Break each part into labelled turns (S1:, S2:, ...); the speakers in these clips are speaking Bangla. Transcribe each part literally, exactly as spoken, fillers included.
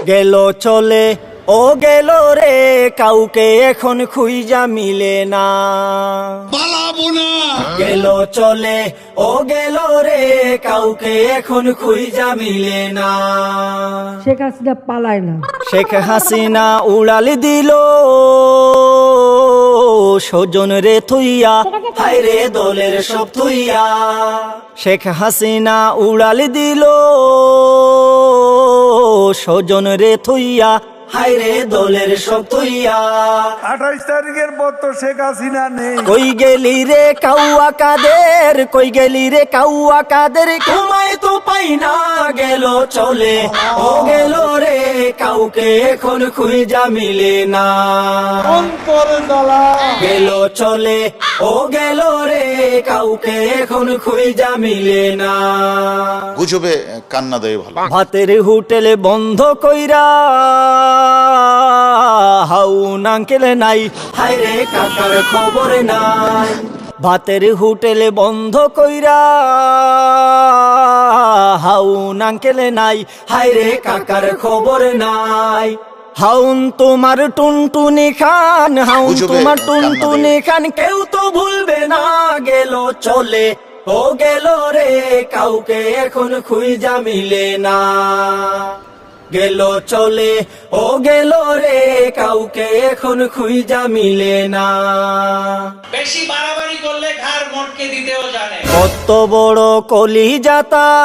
S1: গেল চলে ও গেল রে, কাউকে এখন খুঁজা মিলে না।
S2: পালাবো না।
S1: গেল চলে ও গেল রে, কাউকে এখন খুঁজা মিলে না।
S3: শেখ হাসিনা পালায় না।
S1: শেখ হাসিনা উড়াল দিল স্বজন রে থুইয়া, হায় রে দলের সব থুইয়া। শেখ হাসিনা উড়াল দিল স্বজন রে থুইয়া, হায় রে দলের সব থুইয়া।
S2: আঠাইশ তারিখের পর তো শেখ হাসিনা নেই।
S1: কই গেলি রে কাউয়া কাদের, কই গেলি রে কাউয়া কাদের, ঘুমায় তো পাই না। গেল চলে ও গেল রে, কাউকে এখন খুঁজা মিলে না।
S2: অন্তর জ্বালা।
S1: গেল চলে ও গেল রে, কাউকে এখন খুঁজা মিলে না।
S4: গুজবে কান্না দেয় ভালো।
S1: ভাতের হোটেলে বন্ধ কইরা হাউন আঙ্কেল নাই, হায় রে কাকার খবর নাই। ভাতের হোটেলে বন্ধ কইরা হাউন আঙ্কেল নাই, হায় রে কাকার খবর নাই। হাউন তোমার টুনটুনি খান, হাউন তোমার টুনটুনি খান, কেউ তো ভুলবে না। গেল চলে ও গেল রে, কাউকে এখন খুঁজা মিলে না। গেল চলে ও গেল রে, কাউকে এখন খুঁজা মিলে না।
S5: বেশি বাড়াবাড়ি করলে ঘাড় মটকে দিতেও জানে।
S1: কত বড় কলিজা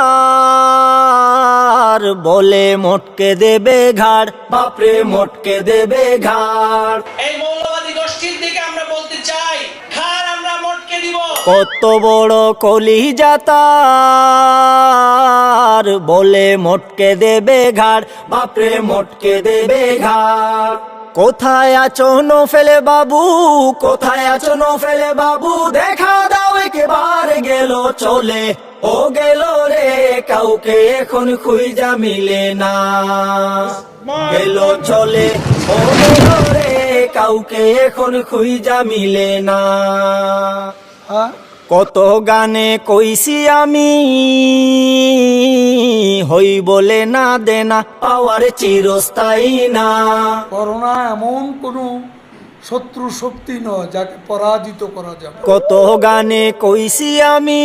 S1: তার, বলে মটকে দেবে ঘাড়, বাপরে মটকে দেবে ঘাড়।
S5: এই মৌলবাদী গোষ্ঠীর দিকে আমরা বলতে চাই, ঘাড় আমরা মটকে দিব।
S1: কত বড় কলিজা তার, বলে মটকে দেবে ঘাড়, বাপরে মটকে দেবে ঘাড়। কোথায় আছো নফেলে বাবু, কোথায় আছো নফেলে বাবু, দেখা দাও একবার। গেল চলে ও গেল রে, কাউকে এখন খুঁজা মিলে না। গেল চলে ও গেল রে, কাউকে এখন খুঁজা মিলে না। কত গানে কইছি আমি, হই বলে না দেনা, পাওয়ার চিরস্থায়ী না।
S2: করোনা এমন কোন শত্রু শক্তি নয় যাকে পরাজিত করা যাবে।
S1: কত গানে কইছি আমি,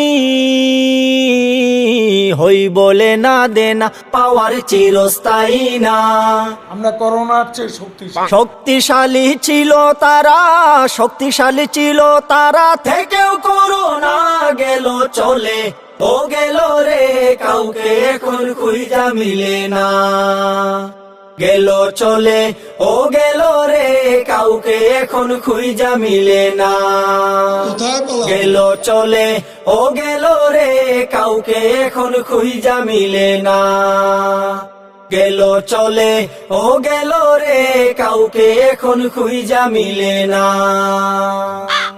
S1: হই বলে না দেনা, পাওয়ার চিরস্থায়ী না।
S2: আমরা করোনার চেয়ে শক্তিশালী।
S1: শক্তিশালী ছিল তারা, শক্তিশালী ছিল তারা, থেকেও করোনা। গেল চলে ও গেল রে, কাউকে এখন খুঁজা মিলে না। গেল চলে ও গেল রে, কাউকে এখন খুঁজা মিলে না। গেল চলে ও গেল রে, কাউকে এখন খুঁজা মিলে না। গেল চলে ও গেল রে, কাউকে এখন খুঁজা মিলে না।